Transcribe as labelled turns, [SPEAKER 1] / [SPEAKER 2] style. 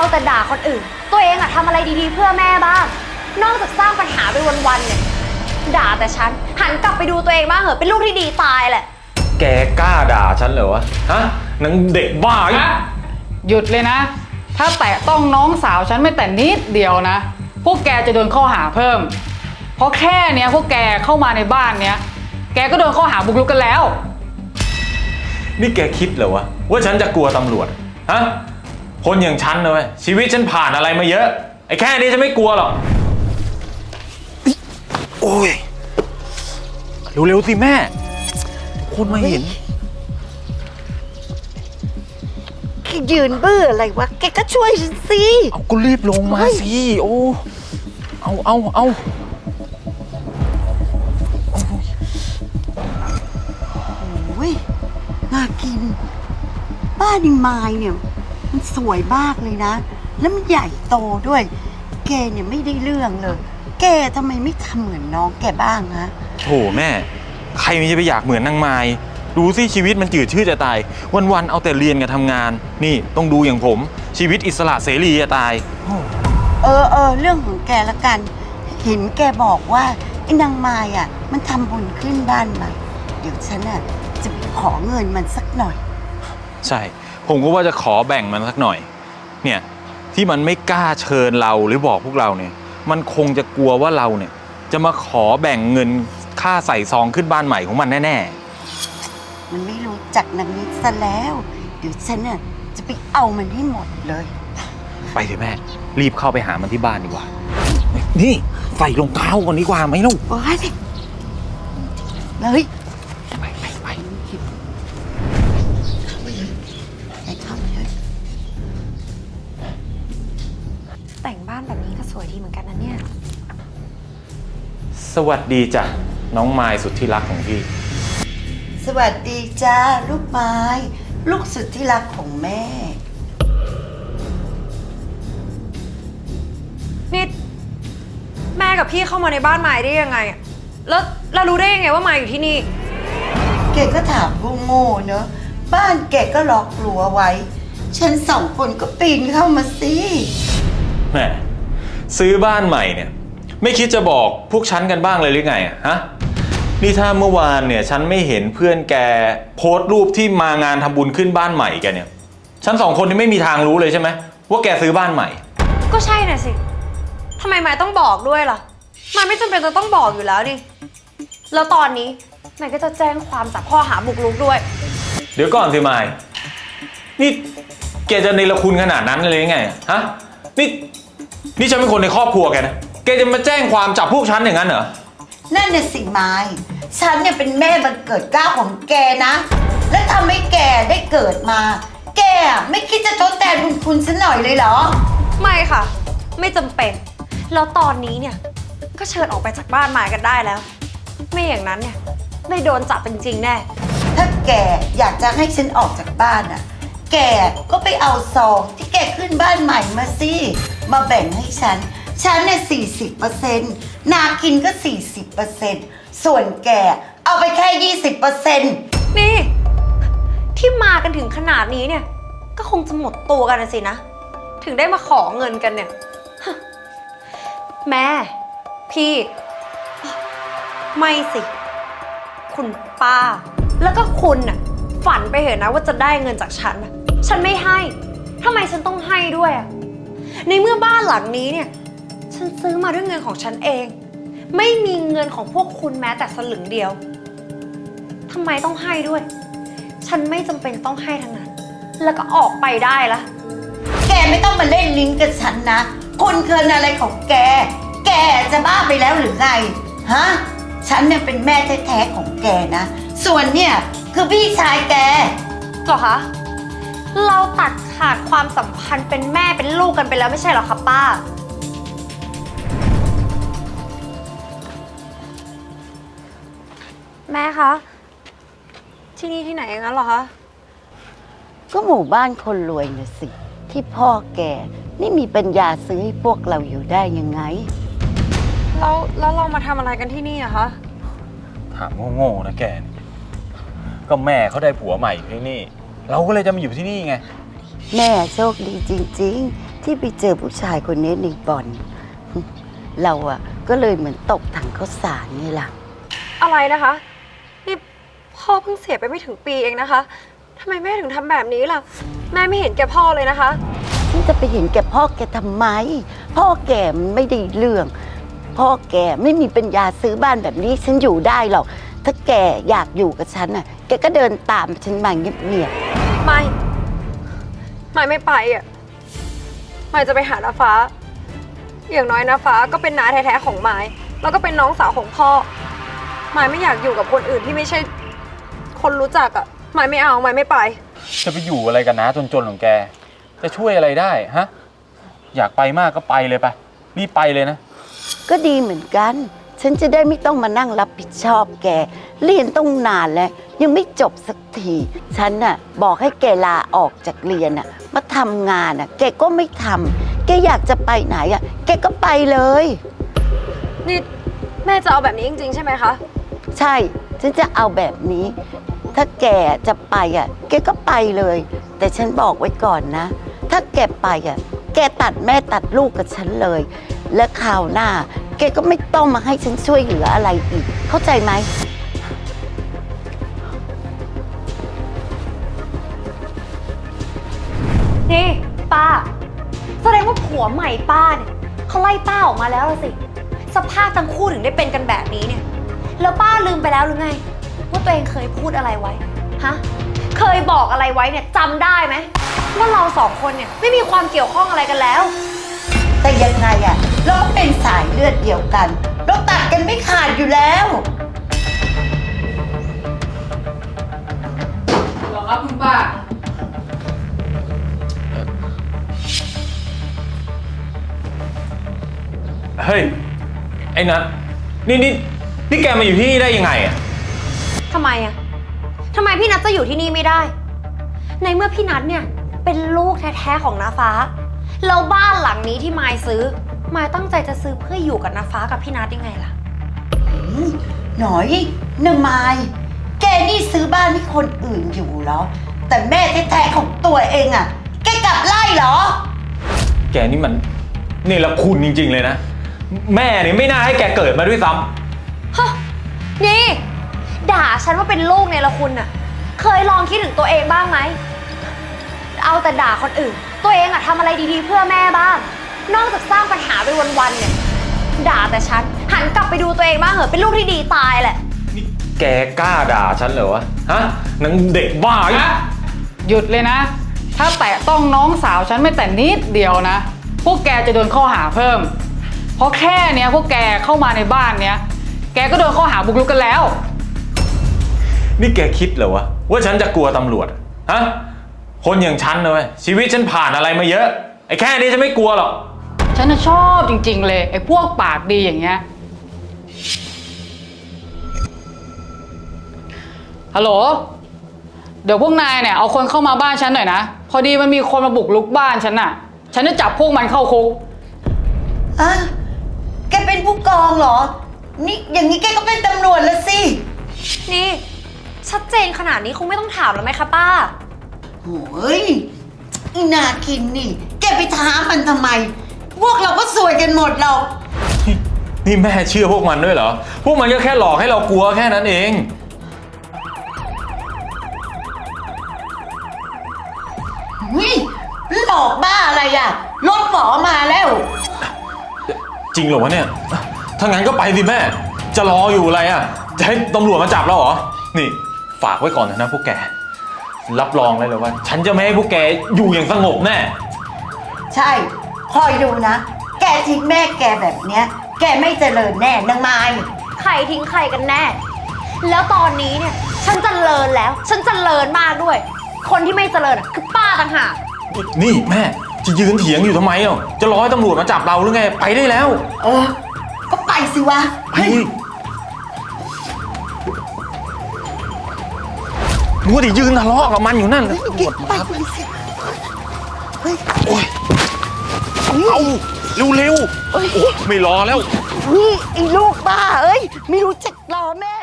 [SPEAKER 1] แต่ด่าคนอื่นตัวเองอะทำอะไรดีๆเพื่อแม่บ้างนอกจากสร้างปัญหาไปวันๆเนี่ยด่าแต่ฉันหันกลับไปดูตัวเองบ้างเหอะเป็นลูกที่ดีตายแหละ
[SPEAKER 2] แกกล้าด่าฉันเหรอวะฮะนางเด็กบ้า
[SPEAKER 3] หยุดเลยนะถ้าแตะต้องน้องสาวฉันไม่แต่นิดเดียวนะพวกแกจะโดนข้อหาเพิ่มเพราะแค่เนี้ยพวกแกเข้ามาในบ้านเนี้ยแกก็โดนข้อหาบุกรุกกันแล้ว
[SPEAKER 2] นี่แกคิดเหรอวะว่าฉันจะกลัวตำรวจฮะคนอย่างฉันนะเว้ยชีวิตฉันผ่านอะไรมาเยอะไอ้แค่นี้ฉันไม่กลัวหรอกโอ้ยเร็วๆสิแม่คนมาเห็น
[SPEAKER 4] แกยืนเบื่ออะไรวะแกก็ช่วยฉันสิ
[SPEAKER 2] เอาก็รีบลงมาสิโอ้เอา
[SPEAKER 4] โอ้ยน่ากินบ้านนิมายเนี่ยมันสวยมากเลยนะแล้วมันใหญ่โตด้วยแกเนี่ยไม่ได้เรื่องเลยแกทำไมไม่ทำเหมือนน้องแกบ้างฮะ
[SPEAKER 2] โถแม่ใครมันจะไปอยากเหมือนนางไม้ดูสิชีวิตมันจืดชืดจะตายวันๆเอาแต่เรียนกับทำงานนี่ต้องดูอย่างผมชีวิตอิสระเสรีจะตาย
[SPEAKER 4] เรื่องของแกละกันเห็นแกบอกว่าไอ้นางไม้อ่ะมันทำบุญขึ้นบ้านใหม่เดี๋ยวฉันอ่ะจะไปขอเงินมันสักหน่อย
[SPEAKER 2] ใช่ผมก็ว่าจะขอแบ่งมันสักหน่อยเนี่ยที่มันไม่กล้าเชิญเราหรือบอกพวกเราเนี่ยมันคงจะกลัวว่าเราเนี่ยจะมาขอแบ่งเงินค่าใส่ซองขึ้นบ้านใหม่ของมันแน่
[SPEAKER 4] ๆมันไม่รู้จักนางนิดซะแล้วเดี๋ยวฉันน่ะจะไปเอามันให้หมดเลย
[SPEAKER 2] ไปเถอะแม่รีบเข้าไปหามันที่บ้านดีกว่านี่ใส่รองเท้าก่อนดีกว่าไหมลูก
[SPEAKER 4] ว้าเลยไปเข้าไปเลย
[SPEAKER 1] แต่งบ้านแบบนี้ก็สวยดีเหมือนกันนะเนี่ย
[SPEAKER 2] สวัสดีจ้ะน้องไม้สุดที่รักของพี่
[SPEAKER 4] สวัสดีจ้าลูกไม้ลูกสุดที่รักของแม่
[SPEAKER 1] นี่แม่กับพี่เข้ามาในบ้านไม้ได้ยังไงแล้วเรารู้ได้ยังไงว่าไม้อยู่ที่นี่
[SPEAKER 4] แกก็ถามโง่ๆเนอะบ้านแกก็ล็อกรั้วไว้ฉันสองคนก็ปีนเข้ามาสิ
[SPEAKER 2] แม่ซื้อบ้านใหม่เนี่ยไม่คิดจะบอกพวกฉันกันบ้างเลยหรือไงฮะนี่ถ้าเมื่อวานเนี่ยฉันไม่เห็นเพื่อนแกโพสต์รูปที่มางานทำบุญขึ้นบ้านใหม่แกเนี่ยฉันสองคนนี่ไม่มีทางรู้เลยใช่ไหมว่าแกซื้อบ้านใหม่
[SPEAKER 1] ก็ใช่น่ะสิทำไมไม้ต้องบอกด้วยล่ะไม้ไม่จำเป็นจะต้องบอกอยู่แล้วนี่แล้วตอนนี้ไม้ก็จะแจ้งความจับข้อหาบุกรุกด้วย
[SPEAKER 2] เดี๋ยวก่อนสิไม้นี่แกจะเนรคุณขนาดนั้นเลยไงฮะนี่ฉันเป็นคนในครอบครัวแกนะแกจะมาแจ้งความจับพวกฉันอย่างนั้นเหรอ
[SPEAKER 4] นั่นน่ะสิไม้ฉันเนี่ยเป็นแม่บังเกิดเกล้าของแกนะและทำให้แกได้เกิดมาแกไม่คิดจะทดแทนบุญคุณฉันหน่อยเลยเหรอ
[SPEAKER 1] ไม่ค่ะไม่จำเป็นแล้วตอนนี้เนี่ยก็เชิญออกไปจากบ้านไม้กันได้แล้วไม่อย่างนั้นเนี่ยไม่โดนจับจริงๆแน่
[SPEAKER 4] ถ้าแกอยากจะให้ฉันออกจากบ้านน่ะแกก็ไปเอาซองที่แกขึ้นบ้านใหม่มาสิมาแบ่งให้ฉันเนี่ย40%นากินก็40%ส่วนแกเอาไปแค่20%
[SPEAKER 1] นี่ที่มากันถึงขนาดนี้เนี่ยก็คงจะหมดตัวกันนะสินะถึงได้มาขอเงินกันเนี่ยแม่พี่ไม่สิคุณป้าแล้วก็คุณน่ะฝันไปเหอะนะว่าจะได้เงินจากฉันน่ะฉันไม่ให้ทำไมฉันต้องให้ด้วยอ่ะในเมื่อบ้านหลังนี้เนี่ยฉันซื้อมาด้วยเงินของฉันเองไม่มีเงินของพวกคุณแม้แต่สลึงเดียวทำไมต้องให้ด้วยฉันไม่จำเป็นต้องให้ทั้งนั้นแล้วก็ออกไปได้ละ
[SPEAKER 4] แกไม่ต้องมาเล่นลิ้นกับฉันนะคนเคินอะไรของแกจะบ้าไปแล้วหรือไงฮะฉันเนี่ยเป็นแม่แท้ๆของแกนะส่วนเนี่ยคือพี่ชายแก
[SPEAKER 1] เหรอคะเราตัดขาดความสัมพันธ์เป็นแม่เป็นลูกกันไปแล้วไม่ใช่เหรอคะป้าแม่คะที่นี่ที่ไหนงั้นเหรอคะ
[SPEAKER 4] ก็หมู่บ้านคนรวยน่ะสิที่พ่อแกนี่มีปัญญาซื้อให้พวกเราอยู่ได้ยังไง
[SPEAKER 1] แล้วเรามาทำอะไรกันที่นี่อะคะ
[SPEAKER 2] ถามโง่ๆนะแกก็แม่เขาได้ผัวใหม่ที่นี่เราก็เลยจะมาอยู่ที่นี่ไง
[SPEAKER 4] แม่โชคดีจริงๆที่ไปเจอผู้ชายคนนี้ในบ่อน เราอะก็เลยเหมือนตกถังข้าวสารนี่ล่ะ
[SPEAKER 1] อะไรนะคะ นี่พ่อเพิ่งเสียไปไม่ถึงปีเองนะคะทำไมแม่ถึงทำแบบนี้ล่ะ แม่ไม่เห็นแก่พ่อเลยนะคะ
[SPEAKER 4] ฉันจะไปเห็นแก่พ่อแกทำไม พ่อแกมันไม่ได้เรื่อง พ่อแกไม่มีปัญญาซื้อบ้านแบบนี้ฉันอยู่ได้หรอก ถ้าแกอยากอยู่กับฉันน่ะ แกก็เดินตามฉันมาเงียบ
[SPEAKER 1] ไม่ไปอ่ะไม่จะไปหาน้าฟ้า อย่างน้อยน้าฟ้าก็เป็นน้าแท้ๆของไม้แล้วก็เป็นน้องสาวของพ่อไม่อยากอยู่กับคนอื่นที่ไม่ใช่คนรู้จักอ่ะไม่เอาไม่ไป
[SPEAKER 2] จะไปอยู่อะไรกันนะจนๆของแก จะช่วยอะไรได้ฮะ อยากไปมากก็ไปเลยไปรีบไปเลยนะ
[SPEAKER 4] ๆก็ดีเหมือนกัน ฉันจะได้ไม่ต้องมานั่งรับผิดชอบแก เรียนต้องนานแล้ว ยังไม่จบสักที ฉันน่ะบอกให้แกลาออกจากเรียนน่ะมาทำงานน่ะ แกก็ไม่ทำแกอยากจะไปไหนอ่ะ แกก็ไปเลย
[SPEAKER 1] นี่แม่จะเอาแบบนี้จริงๆใช่ไหมคะ
[SPEAKER 4] ใช่ ฉันจะเอาแบบนี้ ถ้าแกจะไปอ่ะ แกก็ไปเลย แต่ฉันบอกไว้ก่อนนะ ถ้าแกไปอ่ะ แกตัดแม่ตัดลูกกับฉันเลย และคราวหน้า แกก็ไม่ต้องมาให้ฉันช่วยเหลืออะไรอีก เข้าใจไหม
[SPEAKER 1] นี่ป้าแสดงว่าผัวใหม่ป้าเนี่ยเขาไล่ป้าออกมาแล้วล่ะสิสภาพทั้งคู่ถึงได้เป็นกันแบบนี้เนี่ยแล้วป้าลืมไปแล้วหรือไงว่าตัวเองเคยพูดอะไรไว้ฮะเคยบอกอะไรไว้เนี่ยจำได้ไหมว่าเราสองคนเนี่ยไม่มีความเกี่ยวข้องอะไรกันแล้ว
[SPEAKER 4] แต่ยังไงอ่ะ เราก็เป็นสายเลือดเดียวกัน เราตัดกันไม่ขาดอยู่แล้ว
[SPEAKER 3] หรอครับคุณป้า
[SPEAKER 2] เฮ้ย ไอ้นัทนี่แกมาอยู่ที่นี่ได้ยังไงอ่ะ
[SPEAKER 1] ทำไมอะทำไมพี่นัทจะอยู่ที่นี่ไม่ได้ ในเมื่อพี่นัทเนี่ยเป็นลูกแท้ๆของน้าฟ้าแล้วบ้านหลังนี้ที่มายซื้อมายตั้งใจจะซื้อเพื่ออยู่กับน้าฟ้ากับพี่นัทยังไงล่ะ
[SPEAKER 4] หน่อยนางไม้แกนี่ซื้อบ้านให้คนอื่นอยู่เหรอ แต่แม่แท้ๆของตัวเองอ่ะ แกกลับไล่เหรอ
[SPEAKER 2] แกนี่มันเนรคุณจริงๆเลยนะ แม่นี่ไม่น่าให้แกเกิดมาด้วยซ้ำ
[SPEAKER 1] ฮะนี่ด่าฉันว่าเป็นลูกเนี่ยละคุณน่ะเคยลองคิดถึงตัวเองบ้างไหมเอาแต่ด่าคนอื่นตัวเองอะทำอะไรดีๆเพื่อแม่บ้างนอกจากสร้างปัญหาไปวันๆเนี่ยด่าแต่ฉันหันกลับไปดูตัวเองบ้างเหอะเป็นลูกที่ดีตายแหละ
[SPEAKER 2] นี่แกกล้าด่าฉันเหรอวะ ฮะนางเด็กบ้า
[SPEAKER 3] หยุดเลยนะ ถ้าแตะต้องน้องสาวฉันไม่แต่นิดเดียวนะ พวกแกจะโดนข้อหาเพิ่ม เพราะแค่เนี้ยพวกแกเข้ามาในบ้านเนี้ย แกก็โดนข้อหาบุกรุกกันแล้ว
[SPEAKER 2] นี่แกคิดเหรอวะว่าฉันจะกลัวตำรวจ ฮะ คนอย่างฉันนะเว้ยชีวิตฉันผ่านอะไรมาเยอะ ไอ้แค่นี้ฉันไม่กลัวหรอก
[SPEAKER 3] ฉันน่ะชอบจริงๆเลยไอ้พวกปากดีอย่างเงี้ย ฮัลโหล เดี๋ยวพวกนายเนี่ยเอาคนเข้ามาบ้านฉันหน่อยนะ พอดีมันมีคนมาบุกรุกบ้านฉันน่ะ ฉันจะจับพวกมันเข้าคุก
[SPEAKER 4] อ่ะ แกเป็นผู้กองเหรอ นี่อย่างนี้แกก็เป็นตำรวจแล้วสิ
[SPEAKER 1] นี่ชัดเจนขนาดนี้คงไม่ต้องถามแล้วไหมคะป้า
[SPEAKER 4] โอ้ยอีนาคินนี่ แกไปท้ามันทำไม พวกเราก็สวยกันหมดหรอก
[SPEAKER 2] นี่แม่เชื่อพวกมันด้วยเหรอ พวกมันก็แค่หลอกให้เรากลัวแค่นั้นเอง
[SPEAKER 4] วิหลอกบ้าอะไรอ่ะ รถหมอมาแล้ว
[SPEAKER 2] จริงเหรอวะเนี่ย ถ้างั้นก็ไปสิแม่ จะรออยู่อะไรอ่ะ จะให้ตำรวจมาจับเราเหรอ นี่ฝากไว้ก่อนนะพวกแก รับรองเลยว่า ฉันจะไม่ให้พวกแกอยู่อย่างสงบแน่
[SPEAKER 4] ใช่ คอยดูนะ แกทิ้งแม่แกแบบเนี้ย แกไม่เจริญแน่นางไม้
[SPEAKER 1] ใครทิ้งใครกันแน่ แล้วตอนนี้เนี่ยฉันเจริญแล้ว ฉันเจริญมากด้วย คนที่ไม่เจริญอะคือป้าต่างหาก
[SPEAKER 2] นี่แม่จะยืนเถียงอยู่ทำไมอ่ะจะรอให้ตำรวจมาจับเราหรือไง ไปได้แล้ว
[SPEAKER 4] เออ ก็ไปสิวะ
[SPEAKER 2] เฮ้ยมัวแต่ยืนทะเลาะกับมันอยู่นั่นตำรวจ
[SPEAKER 4] ไป
[SPEAKER 2] มา
[SPEAKER 4] สิเฮ้ย
[SPEAKER 2] โอ้ยเอาเร็วๆโอ้ไม่รอแล้ว
[SPEAKER 4] นี่ไอ้ลูกบ้าเอ้ย ไม่รู้จักรอแม่